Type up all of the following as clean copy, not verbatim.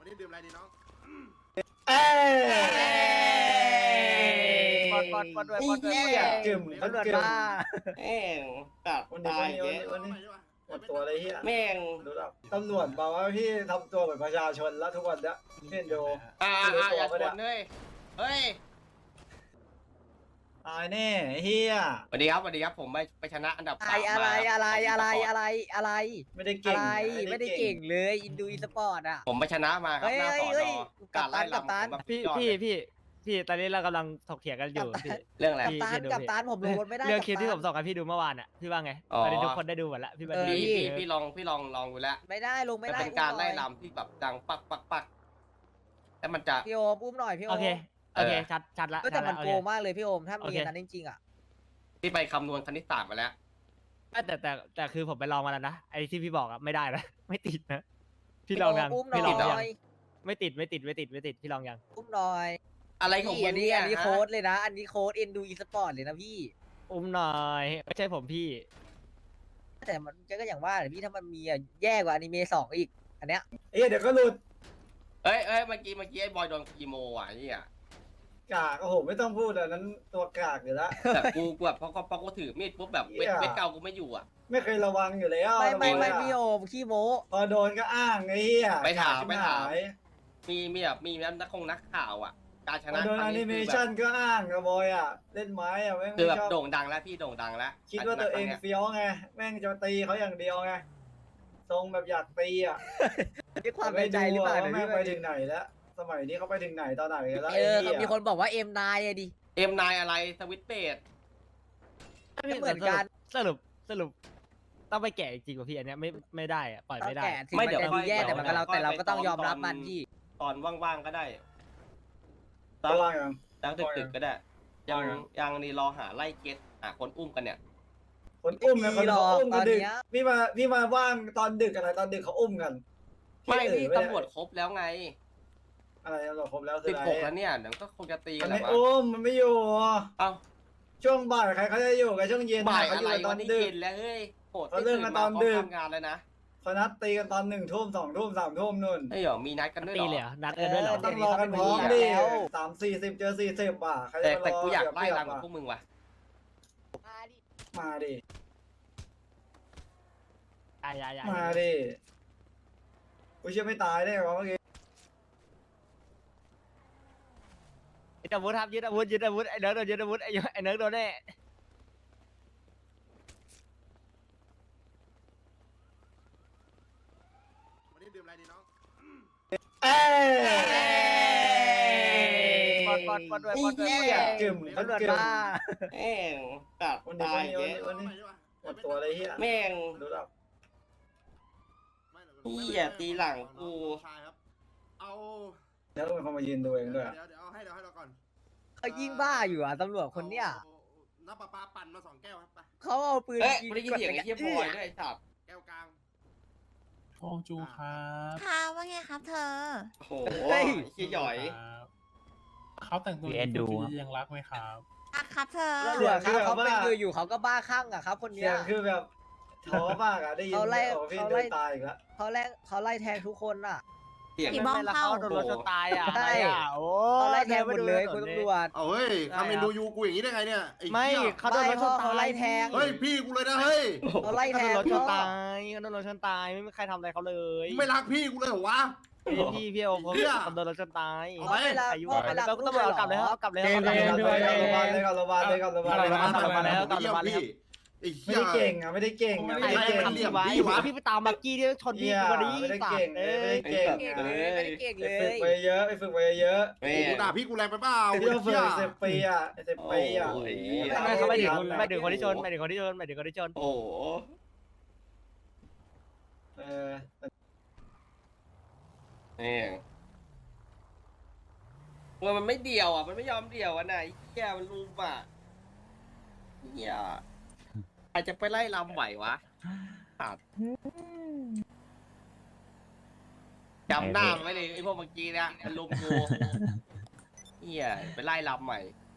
นี้ดื่มอะไรดีน้องเอ้ปอนด้วยกึ่มตำรวจกึ่มมาแม่งตัดวันนี้ตายวันนี้หมดตัวเลยเฮียแม่งดูแล้วตำรวจบอกว่าพี่ทำตัวเหมือนประชาชนแล้วทุกวันเนี้ยเห็นดูอย่าชนเฮ้ยเฮ้ยตายแน่เฮียสวัสดีครับผมไปชนะอันดับอะไรไม่ได้เก่งไม่ได้เก่งเลยอินดูอีสปอร์ตอ่ะผมไปชนะมาครับหน้าสอนอกัปตันการไล่ลำผมแบบพี่ตอนนี้เรากำลังถกเถียงกันอยู่พี่เรื่องอะไรกับตันผมลงรถไม่ได้เรื่องคลิปที่ผมส่งให้พี่ดูเมื่อวานอ่ะพี่ว่าไงอ๋อตอนนี้ทุกคนได้ดูหมดแล้วพี่บันดีพี่ลองดูแล้วไม่ได้ลงไม่มันได้เป็นการไล่ลำที่แบบดังปักแล้วมันจะพี่โอมอุ้มหน่อยพี่โอโอมเคชัดละแต่มันโอโกเคงมากเลยพี่โอมถ้ามีนั้นจริงๆอ่ะที่ไปคำนวณคณิตศาสตร์มาแล้วแต่คือผมไปลองมาแล้วนะไอ้ที่พี่บอกอ่ะไม่ได้นะ ไม่ติดนะพี่ลองยังอุ้มหน่พี่ลองอยังยไม่ติดพี่ลองยังอุ้มหน่อยอะไรของมึอังนนี้เนี่ยอันนี้โค้ดเลยนะ อันนี้โค้ดเอ็นดูอีสปอร์ตเลยนะพี่อุ้มหน่อยไม่ใช่ผมพี่แต่มันก็อย่างว่าพี่ถ้ามันมีแย่กว่าอนิเมะ2อีกอันเนี้ยเดี๋ยวก็หลุดเอ้ยเมื่อกี้ไอ้บอยโดนคีโมอ่ะนี่อ่ะกากโอ้โหไม่ต้องพูดอันนั้นตัวกากอยู่แล้วแต่กูแบบพอกูถือมีดปุ๊บแบบเวทเก่ากูไม่อยู่อ่ะไม่เคยระวังอยู่แล้วไม่พี่โอมขี้โม้พอโดนก็อ้างไอ้เหี้ยไปถาม มีแบบมีนักข่าวอ่ะการชพนะอโดนแอนิเมชันก็อ้างกระบอยอ่ะเล่นไม้อ่ะแม่งคือไม่แบบชอบโด่งดังแล้วพี่โด่งดังแล้วคิดว่าตัวเองเฟี้ยวไงแม่งจะตีเขาอย่างเดียวไงทรงแบบอยากตีอ่ะด้วยความในใจหรือเปล่าแม่งไปถึงไหนแล้วสมัยนี้เขาไปถึงไหนตอนไหนกันแล้วมีคนบอกว่าเอ็มนายอะดิ M9 อะไรสวิตเบดเหมือนกันสรุปต้องไปแกะจริงๆป่ะพี่อันเนี้ยไม่ได้อะปล่อยไม่ได้แต่ถึงมันจะดูแย่แต่เราก็ต้องยอมรับมันพี่ตอนว่างๆก็ได้ระวังยังตั้งดึกๆก็ได้ยังนี่รอหาไล่เก็ตคนอุ้มกันเนี่ยคนอุ้มนะคนเขาอุ้มกันดึกพี่มาว่างตอนดึกอะไรตอนดึกเขาอุ้มกันไม่พี่ตำรวจครบแล้วไงอะไรตำรวจครบแล้วคืออะไร 16แล้วเนี่ยเดี๋ยวก็คงจะตีกัมัน นแหละไม่วะอุ้มมันไม่อยู่เอ้าช่วงบ่ายใครเขาจะอยู่กับช่วงเย็นบ่ายเขาอะอยู่ไรกันตอวัน นนี้ดึกเย็นแล้วเฮ้ยโหดเขาเลิกกันตอนดึกทำงานแล้วนะเขานัดตีกันตอน1 ทุ่ม2 ทุ่ม3 ทุ่มนู่นไอ้เหรอมีนัดกันด้วยตีเหรเลยเหรออนัดกันด้วยเหรอต้องรอกันพร้อมดิ3-40เจอ40อ่ะใครจะแต่กูอยากรไล่รังกับพวกมึงว่ะมาดิอย่ามาดิกูเชื่อไม่ตายได้หรอเมื่อกี้ยึดอาวุธครับยึดอาวุธไอ้เนิร์กโดนยึดอาวุธไอ้เนิร์กโดนแน่วันนี้ดื่มอะไรดีน้องเอ้ปอนด้วยกึ่มตำรวจกึ่มมาแม่งตัดวันตายนี้หมดตัวเลยเฮียแม่งดูแล้วเหี้ยตีหลังกูชายครับ เอาแล้วต้องเป็นคนมายืนดูเองด้วยเดี๋ยวเอาให้เราก่อนเขายิ่งบ้าอยู่อ่ะตำรวจคนเนี้ยน้ำปลาปั่นมา2 แก้วครับไปเขาเอาปืนเอ้ยยิงไม่ได้ยินเสียงไอ้เหี้ยบอยด้วยไอ้สัตว์แก้วกลางฟองจูครับค่ะว่าไงครับเธอโอ้โหไอ้เหี้ยหย่อยครับเขาแต่งตัวยังรักไหมครับอ่ะครับเธอตำรวจครับเขาเป็นมืออยู่เขาก็บ้าคลั่งอ่ะครับ คนเสีเนี้ยยงคือแบบท้อมากอ่ะได้ยินเขาไล่พี่เขาเดิไล่นตายอีกแล้วเขาไล่แทงทุกคนอ่ะเสียงผีบ้องแล้วเข้าเขาโดนรถชนตายอ่ะใช่โอ้เขาไล่แทงหมดเลยคุณตำรวจเอาเฮ้ยคาเมนดูยูกูอย่างนี้ได้ไงเนี่ยอ้ไม่เหี้ยเขาโดนรถชนเขาตายไล่แทงเฮ้ยพี่กูเลยนะเฮ้ยเขาไล่เขาแทโดงนรถชนพ่อตายเขาโดนรถชนตายไม่มีใครทำอะไรเขาเลยไม่รักพี่กูเลยเหรอวะพี่โอมเหี้ยเขาโดนรถชนตายเอาไปอายุพ่อไปรักต้องตำรวจเอากลับเลยเอากลับเลยเกมเอากลับเลยเลยก่อนโรงพยาบาลเลยก่อนโรงพยาบาลเลยก่อนโรงพยาบาลเลยกลับมาแล้วเยี่ยมพี่ไอ้ไม่เหี้ยได้เก่งอ่ะไม่ได้เก่งอ่ะไม่ได้เก่งเหลี่ยมไว้พี่วะพี่ไปตามบักกี้ที่ชนพี่เหี้ยวันนี้ไม่ได้สัตเก่งว์เลเอ้ยไม่ได้ยเก่งไม่ได้เก่งเลยฝึกไปเยอะไปฝึกไปเยอะแม่โอ้โหด่าพี่กูแรงไปเปล่าที่เราฝึกไอ้ 10 ปีอ่ะ10 ปีอ่ะโอ้ยไม่เขาไม่ถึงคนที่ชนไม่ถึงคนที่ชนไม่ถึงคนที่ชนโอ้โหเออแม่งมันไม่เดี่ยวอ่ะมันไม่ยอมเดี่ยวอ่ะไหนเหี้ยมันรูมอ่ะเหี้ยใครจะไปไล่ลำไหววะขาดจำหน้ามันไว้เลยไอ้พวกเมื่อกี้เนี่ยมันลุมกูเหี้ยไปไล่ลำใหม่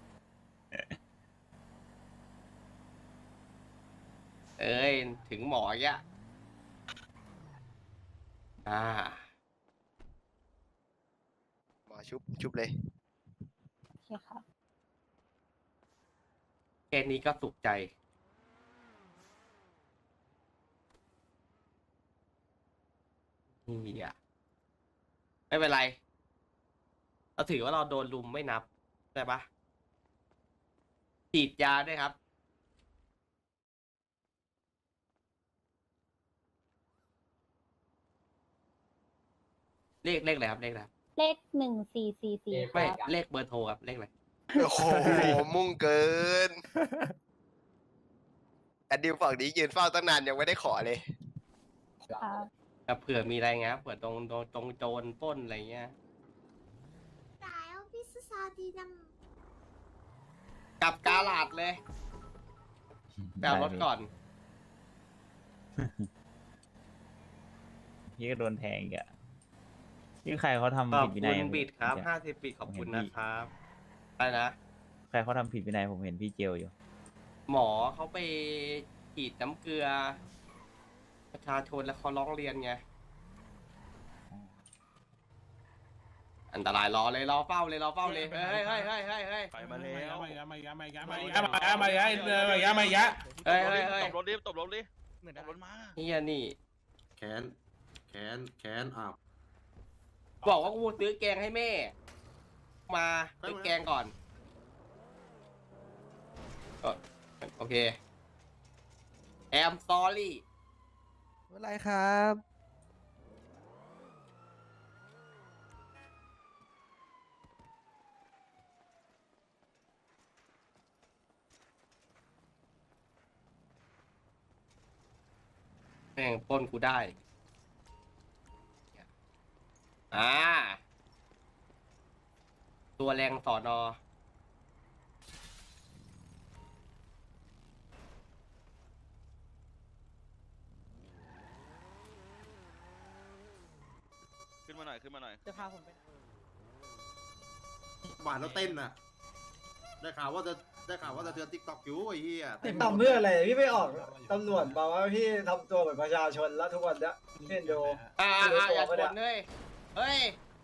เอ้ยถึงหมอแกอ่าชุบเลยโอเคครับแค่นี้ก็สุขใจนี่อ่ะไม่เป็นไรเราถือว่าเราโดนลุมไม่นับใช่ปะฉีดยาด้วยครับเลขอะไรครับเลขอะไรครับเลข1444 ไม่เลขเบอร์โทรครับเลขอะไรโอ้โห มุ่งเกินอันดิวฝั่งนี้ยืนเฝ้าตั้งนานยังไม่ได้ขอเลยครับกับเผื่อมีอะไรเงี้ยเผื่อตรงโจรปล้นอะไรเงี้ยตายแล้วพี่ซาดีดกลับกาลาดเลยแปลรถก่อนพี่ก็โดนแทงอีกอะพี่ใครเขาทำขอบผิดวิคุนัยณบิดครับผม 50 ปีขอบคุณนะครับอะไรนะใครเขาทำผิดวินัยผมเห็นพี่เจลอยู่หมอเขาไปฉีดน้ำเกลือ ประชาชนแล้วเขาร้องเรียนไง อันตรายรอเลยรอเฝ้าเลยรอเฝ้าเลยเฮ้ยไปมาแล้วเฮ้ยตบรถดิตบรถดิเหมือนตบรถมาเฮียนี่แขนอ้าวบอกว่ากูซื้อแกงให้แม่ มาซื้อแกงก่อนโอเคแอมซอรี่ไม่เป็นไรครับแม่งปล้นกูได้ตัวแรงสอนอขึ้นมาหน่อยขึ้นมาหน่อยจะพาผมไปหวานแล้วเต้นน่ะ ได้ข่าวว่าจะเตือนติ๊กต็อกอยู่ไอ้เหี้ยติดต่อเพื่ออะไรพี่ไม่ออกตำรวจบอกว่าพี่ทำตัวเหมือนประชาชนแล้วทุกวันเนี้ยเห็นดูอย่าชนเลยเฮ้ย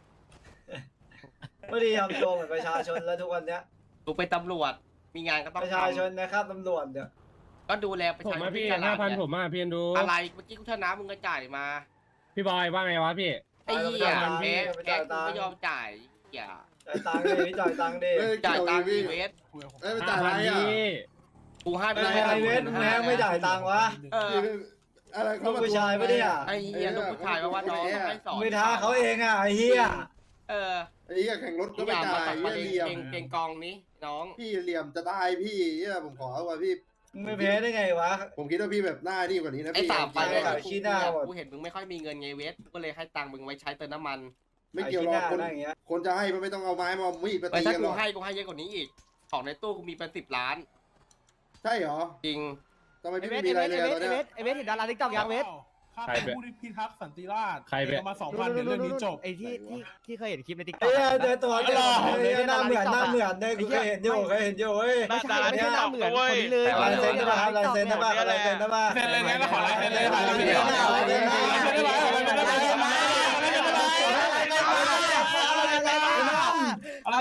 ไม่ได้ทำตัวเหมือนประชาชนแล้วทุกวันเนี้ยกูเป็นตำรวจมีงานก็ต้องประชาชนนะครับตำรวจเนี่ยก็ดูแลประผมชาชมาน พี่ที่ตลาด 5,000 เนี่ยผมมาพี่ดูอะไรเมื่อกี้กูชนะมึงก็จ่ายมาพี่บอยว่าไงวะพี่ไอ้เหี้ยแกกูไม่ยอมจ่ายอย่าจ่ายตังค์ดิพี่จ่ายตังค์ดิจ่ายตังค์พี่อีเวสเอ้ยไม่จ่ายอะไรอ่ะพี่กูให้ไปไม่เลยไอเวสแม่งไม่จ่ายตังค์วะเอออะไรลูกผู้ชายปะเนี่ยไอ้เหี้ยลูกผู้ชายมาว่าน้องต้องให้สอนไม่ท้าเขาเองอ่ะไอ้เหี้ยเออไอ้เหี้ยแข่งรถก็อไม่ย่าจ่ามายตัดประเหี้ยเด็นเหลี่ยมเก่งกองนี้น้องพี่เหลี่ยมจะได้พี่เหี้ยผมขอว่าพี่มึงไม่แพ้ได้ไงวะผมคิดว่าพี่แบบหน้านี่กว่านี้นะไอ้พี่สามไปจริเนี่ยงๆขายขี้หน้าหมดกูเห็นมึงไม่ค่อยมีเงินไงเวสก็เลยให้ตังค์มึงไว้ใช้เติมน้ำมันไม่เกี่ยวหรอกคนขายขี้หน้าอะไรอย่างเงี้ยคนจะให้มันไม่ต้องเอาไม้มาเอามีดไปไอ้ตีถ้ากันหกูรอกให้เยอะกว่านี้อีก ของในตู้กูมีเป็น10 ล้านใช่เหรอจริงทำไมไอพี่เวไม่สมีอะไรไอเลยเวอะสตอนไอเนี้เวย สไอเวสเห็นดาราทิกตอกยังเวสข้าเป็นผู้พิทักษ์สันติราษฎร์ใครไปเอามา2,000เดี๋ยวเรื่องนี้จบไอที่เคยเห็นคลิปในทิกตอเอ้กยเจอตัวเจอหน้าเหมือนเนี่ยกูเคยเห็นอยู่เว้ยไม่ใช่ไม่ใช่หน้าเหมือนคนนี้เลยลายเซ็นได้ป่ะครับลายเซ็นได้ป่ะลายเซ็นได้ป่ะเซ็นเลยนะขอลายเซ็นเลยอะไร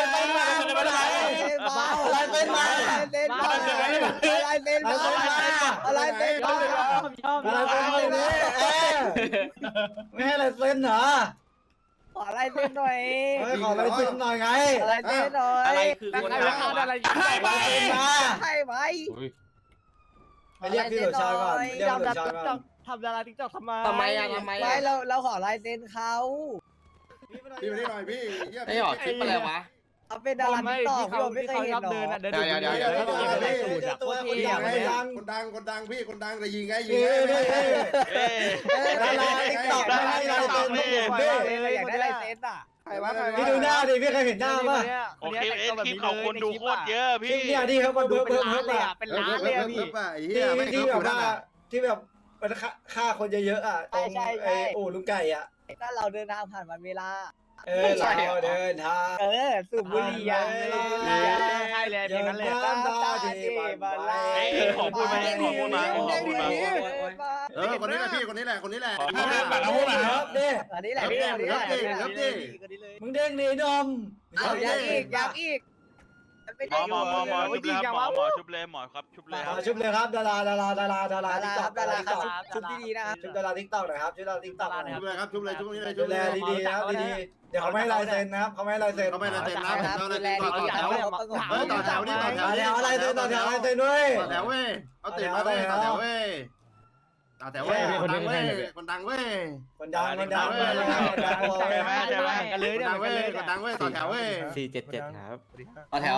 เป็นมา ไม่ให้ลายเซ็นเหรอขอลายเซ็นหน่อยขอลายเซ็นหน่อยไงลายเซ็นหน่อยอะไรคือคนใครทำอะไรลายเซ็นมาใช่ไหมไปเรียกพี่หลุดชายก่อนเรียกพี่หลุดชายก่อนทำดาราทิกตอกทำไมทำไมอะไม่เราขอลายเซ็นเขาพี่มานี่หน่อยพี่เหี้ยไอ้หอคลิปอะไรวะเขาเป็นดาราทิกตอกพี่ผมไม่เคยเห็นหรอเดินเดี๋ยวในสูตรอะโคตรเท่คนดังพี่คนดังจะยิงไงยิงดาราติ๊กต็อกไม่ให้ลายเซ็นต้องผมพี่อยากได้ลายเซ็นอ่ะพี่ดูหน้าดิพี่เคยเห็นหน้าป่ะโอเคคลิปของคนดูโคตรเยอะพี่เนี่ยที่เขามาดูเพิ่มเป็นเพิ่ล้าม นเลยอ่ะอ่ะเป็นล้านเลยอ่ะพี่ไอ้เหี้ยไม่ที่เคิแบบร์ฟว่าที่แบบมันฆ่าคนเยอะๆอ่ะตรงไอ้อู่ลุงไก่อ่ะถ้าเราเดินทางผ่านวันเวลาเราเดินทางสูบบุหรี่อ่ะใช่เลยเพลงนั้นเลยน้ำตาที่มันไหลขอพูดไหมขอพูดมาขอพูดมาคนนี้แหละพี่คนนี้แหละคนนี้แหละครับเด้อันนี้แหละพี่อันนี้แหละมึงเด้งหนีดมเอายังอีกมันไม่ได้อยู่จริงจังวะชุบเลยครับดาราชุบดีๆนะครับชุบดาราทิกตอกหน่อยครับชุบดาราทิกตอกหน่อยชุบเลยครับชุบเลยชุบนี้เลยดูแลดีๆนะครับดีๆเดี๋ยวเขาไม่ให้ลายเซ็นนะครับเขาไม่ให้ลายเซ็นเขาไม่ละเซ็นนะครับเราดูเลยแลต่อดีแถวๆต่อแถวนี่ต่อแถวต่อแถวอะไรเซ็นต่อแถวอะไรเซ็นด้วยต่อแถวเว้ยเอาตื่นมาเว้ยต่อแถวเว้ยต่อแถวเว้ยคนดังเว้ยคนดังเว้ยคนดังคนดังกันเลยคนเนี่ยดังกัเว้นยเลยคนดังเว้ยต่อแถวเว้ย 477ครับต่อแถว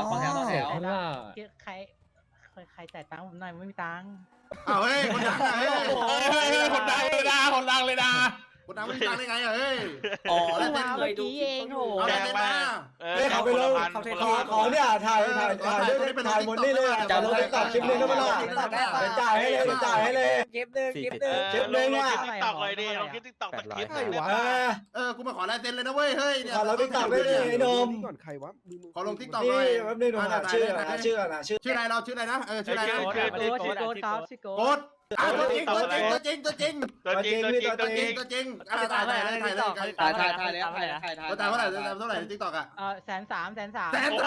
ใครจ่ายตังค์ผมหน่อยไม่มีตังค์เอาเฮ้ยคนดังเฮ้ยคนดังเลยนะคนดังเลยนะคนดังไม่ดังได้ไงเฮ้ยอ๋อเพิ่แล้วงเต้มานเคเมื่อยดูกี้เองโหเอาอะไรมาเฮ้ยเขาไปลงขอเนี่ยถ่ายหมดนี่เลยจะลงติ๊กต็อกคลิปนึงก็ไม่ได้เดี๋ยวจ่ายให้เลยเดี๋ยวจ่ายให้เลยเก็บหนึ่งคลิปนึงอ่ะตอกเลยดิลงคลิปกูมาขอลายเซ็นเลยนะเว้ยเฮ้ยเนี่ยขอเราติ๊กต็อกได้เลยไอ้นมขอลงทิกตอกนี่หน่อยแป๊บนึงหนูหาชื่อชื่อนะชื่อชื่ออะไรเราชื่ออะไรนะชื่ออะไรนะชื่อโกดครับชื่อโกโกดดตัวจริงตัวจริงตัวจริงตัวจริงพี่ตัวจริงตัวจริงถ่ายแล้วถ่ายแล้วถ่ายแล้วถ่ายตัวตายเท่าไหร่เท่าไหร่ทิกตอกอ่ะ 130,000 แสน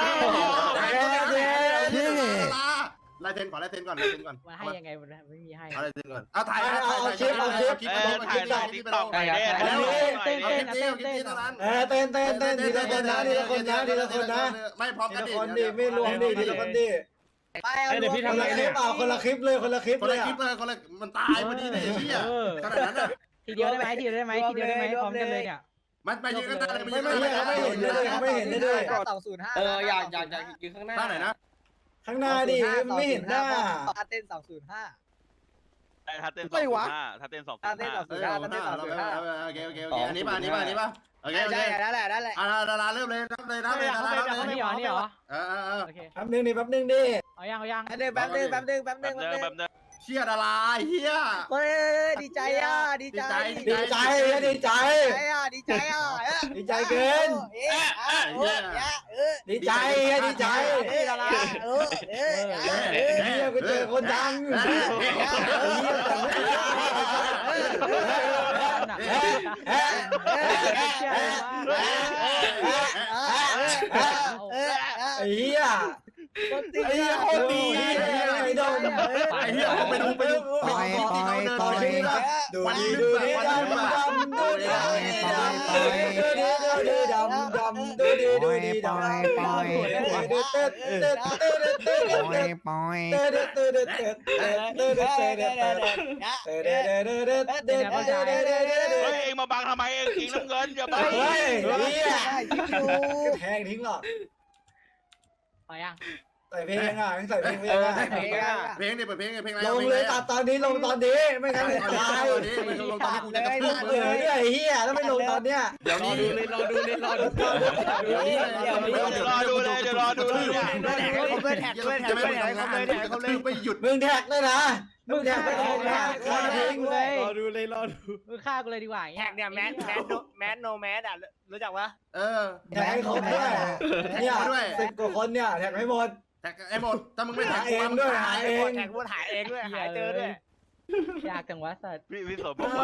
ลายเซ็นก่อนลายเซ็นก่อนมาให้ยังไงมันไม่มีให้เอาลายเซ็นก่อนเอาถ่ายคลิปไปลงถ่ายแล้วแล้วเอาคลิปนี้เท่านั้นเต้นทีละคนนะทีละคนนะทีละคนนะไม่พร้อมทีกันละดิคนดิไม่รวมดิทีละคนดิไปเอาเดี๋ยวพี่คนทำอะไรละคลิเนี่ปยเปล่าคนละคลิปเลยคนละคลิปคนเลละยคลิปเลยคนละมันตายพอดีเลยเฮียขนาดนั้นอ่ะทีเดียวได้ไหมทีเดียวได้ไหมพร้อมกันเลยเนี่ยมันไปยืนกันได้เลยไม่เห็นเลยเขาไม่เห็นเลย 205 อยากยืนข้างหน้าท่าไหนนะข้างหน้าดิไม่เห็นหน้าเต้น205 ถ้าเต้น205ถ้าเต้น205 เต้น205 โอเคอันนี้ป่ะโอเคใช่นั่นแหละดาราเริ่มเลยนับเลยนับเลยดารานี่เหรอโอเคโอเคแป๊บนึงดิแป๊บนึงดิเอายังแป๊บนึงเชี่ยดาราเฮียเฮ้ยดีใจอ่ะดีใจดีใจดีใจดีใจอ่ะดีใจเกินดีใจดีใจดาราเนี่ยกูเจอคนดังไอ้เหี้ยไอ้เหี้ยโคตรดีไอ้ดงไอ้เฮียไปดูที่เขาเดินไปดูนี่ดูนี่ดำดำดูนี่ดำดำดูดีดูดีดำเองมาบังทำไมเองกินน้ำเงินอย่าบังเฮ้ยเนี่ยแทงทิ้งหรอกเอายังใส่เพลงอ่ะใส่เพลงอ่ะเพลงนี่เปิดเพลงเพลงอะไรลงเลยตัดตอนนี้ลงตอนนี้ไม่งั้นตายตอนนี้ไม่ลงตอนนี้กูจะกระทืบเออเนี่ยไอ้เหี้ยแล้วไม่ลงตอนเนี้ยเดี๋ยวนี้รอดูเลยเดี๋ยวรอดูเลยไม่หยุดมึงแท็กเลยนะมึงแท็กไปลงนะฆ่าทิ้งเลยมึงฆ่ากูเลยดีกว่าแท็กเนี่ยแมสโนแมสอ่ะรู้จักปะแท็กให้ครบด้วยเนี่ย10 กว่าคนเนี่ยแท็กให้หมดแท็กไอ้หมดถ้ามึงไม่แท็กเองด้วยหาเองแท็กพูดหายเองด้วยหายเจอด้วยยากจังวะสัตว์พี่สมบอกว่า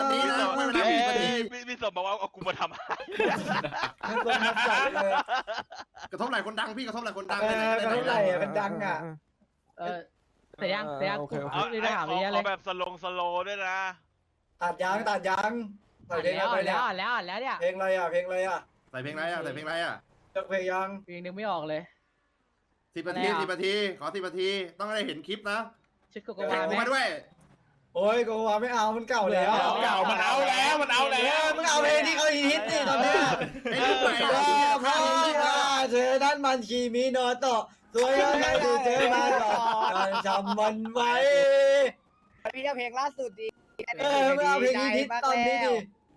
พี่สมบอกว่าเอากูมาทำมันลงมาจัดเลยกระทบไหลคนดังพี่กระทบไหลคนดังกันเท่าไหร่เป็นดังอ่ะเสียยังนี่ถามเลยเอาแบบสโลด้วยนะตัดยางใส่เพลงอะไรเนี่ยแล้วเนี่ยเพลงอะไรอ่ะเพลงอะไรอ่ะใส่เพลงอะไรอ่ะใส่เพลงอะไรอ่ะเลือกเพลงยังเพลงนึงไม่ออกเลย 10 นาที10 นาทีขอ10 นาทีต้องได้เห็นคลิปนะชุดโกโกแท็กวากูไหมมาด้วยโอ้ยกูว่าไม่เอามันเก่าแล้วมันเอาแล้วมันเอาแล้วมึงเอาเพลงที่เขาฮิตนี่ตอนเนี้ยไอ้ลูกใหม่เพราะว่าเธอนั้นมันคีมิโนโตะสวยยังไงที่เธอมาก่อนจำมันไว้พี่เพลงล่าสุดดีไม่เอาเพลงฮิตตอนนี้ดิ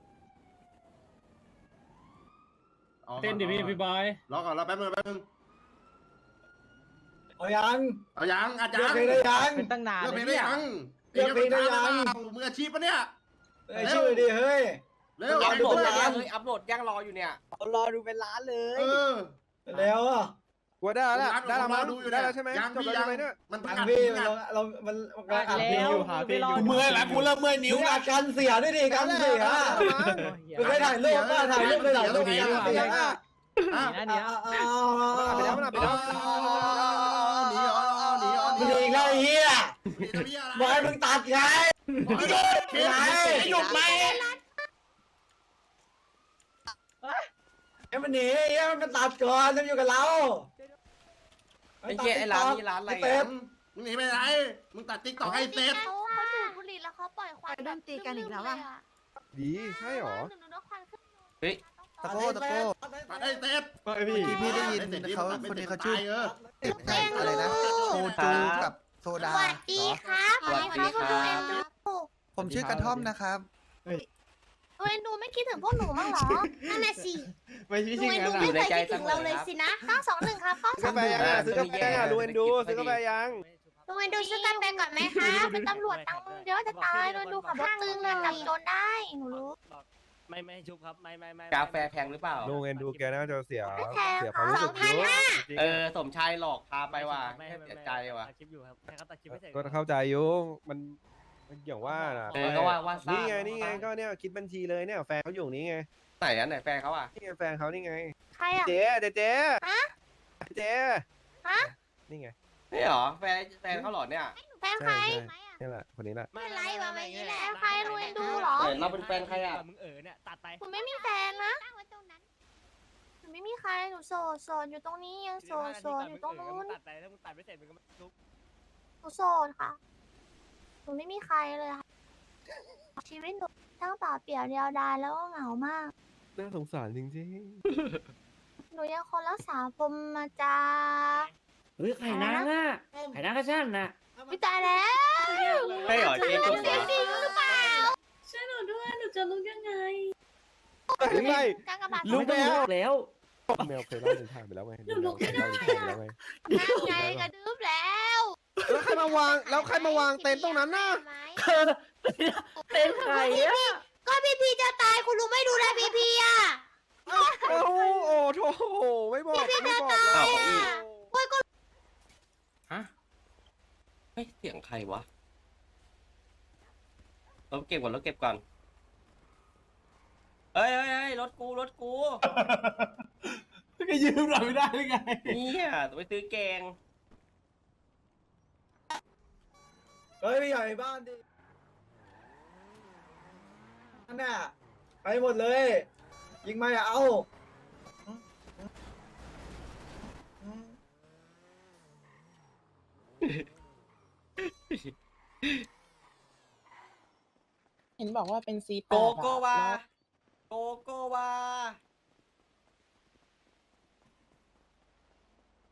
เต้นดิพี่บอยรอก่อนรอแป๊บนึงเอายังเอายังอาจารเลือกย์เพลงได้ยังเป็นตั้งนานเลือกเพลงเลได้ยยังมืออาชีพปะเนี่ยเอ้ยชื่อดิเฮ้ยเร็วอัพดูโหลดเลยอัพโหลดยังรออยู่เนี่ยรอดูเป็นล้านเลยเออแล้วอ่ะกูว่าได้แล้วได้แล้วมั้งได้แล้วใช่ไหมจบแล้วใช่ไหมเนี่ยมันอัดพี่เรามันอัดพี่อยู่หาพี่อยู่กูเมื่อยแล้วกูเริ่มเมื่อยนิ้วมึงละอัดกันเสียด้วยดิกันเสียมึงเคยถ่ายรูปป่ะถ่ายรูปเลยถ่ายรูปกันเสียอ่ะเดี๋ยวไปแล้วไปแล้วหนีอีกแล้วเฮียบอกให้มึงตัดไงหยุดไหมไอ้มันหนีไอ้มันตัดก่อนจะอยู่กับเราไอ้เหี้ยไอ้ร้านนี้ร้านอะไรเต็อ่ะมมึงหนีไปไหนมึงตัดติ๊กต็อกให้เสร็จเขาดูดบุหรี่แล้วเขาปล่อยควันแบบตีกันอีกแล้วอ่ะดีใช่หรอหนูควันขึ้นเฮ้ยตะโก้ตะโก้ตัดให้เสร็จพี่ได้ยินเขาคนนี้เขาชื่ออะไรนะโซจูกับโซสดาวัสดีครับสวัสดีครับคุณดูเอ็นดูผมชื่อกระท่อมนะครับดูเอ็นดูไม่คิดถึงพวกหนูมั้งเหรอนั่นน่ะสิไม่ดูใช่เอ็นดูงั้นไม่อ่ะเคยคิดถึงเราเลยสินะ921ครับซื้อกาแฟยังซื้อกาแฟยังดูเอ็นดูซื้อกาแฟยังดูเอ็นดูซื้อกันไปก่อนไหมคะเป็นตำรวจตังเยอะจะตายดูเอ็นดูขับรถตึงเลยจับโจรได้หนูรู้ไม่ชุบครับไม่กาแฟแพงหรือเปล่าลุงเอ็นดูแกน่าจะเสียไม่แพงเสียความรู้สึกเยอะจริงสมชายหลอกพาไปว่ะเสียใจว่ะตัดคลิปอยู่ครับให้เขาตัดคลิปไม่เสร็จก็เข้าใจอยู่มันอย่างว่าน่ะก็ว่าซ่านี่ไงก็เนี่ยคิดบัญชีเลยเนี่ยแฟนเขาอยู่นี่ไงไหนอ่ะไหนแฟนเขาอ่ะนี่ไงแฟนเขานี่ไงใครอ่ะเจ๊เจ๊ฮะเจ๊ฮะนี่ไงนี่หรอแฟนเขาหรอเนี่ยแฟนใครนี่แหละคนนี้แหละไม่ไรวะไม่นี่แหละใครดูเอ็นดูเหรอเราเป็นแฟนใครอ่ะมึงเนี่ยตัดไปหนูไม่มีแฟนนะหนูไม่มีใครหนูโสดอยู่ตรงนี้ยังโสดอยู่ตรงนู้นตัดไปถ้ามึงตัดไม่เสร็จมึงก็ไม่ชุบหนูโสดค่ะ หนูไม่มีใครเลยค่ะ ชีวิตหนูทั้งเปล่าเปลี่ยวเดียวดายแล้วก็เหงามากน่าสงสารจริงหนูยังคนรักษาพรหมจาเฮ้ยไข่นางอ่ะไข่นางกระชั้นน่ะวิตายแล้วใช่หรอเจ๊จุ๊บเหรอจริงหรือเปล่าช่วยหนูด้วยหนูจะรู้ยังไงๆไม่กากบาทรู้แล้วแมวเคยเล่าถึงทางไปแล้วไงเคยเล่าถึงทางไปแล้วไงนั่งไงกระดึ๊บแล้วแล้วใครมาวางเต็นท์ตรงนั้นน่ะเป็นไข่อะก็พี่พีจะตายคุณลุงไม่ดูแลพี่พีอ่ะโอ้โถไม่บอกเลยอ้าวฮะเฮ้ยเสียงใครวะรถเก็บก่อนเฮ้ยรถกูก็ยืมเราไม่ได้หรือไงเนี่ยไปซื้อแกงเฮ้ยพี่ใหญ่บ้านดินั่นน่ะไปหมดเลย ยิงไม่เอาเห็นบอกว่าเป็น C8 โกโกวา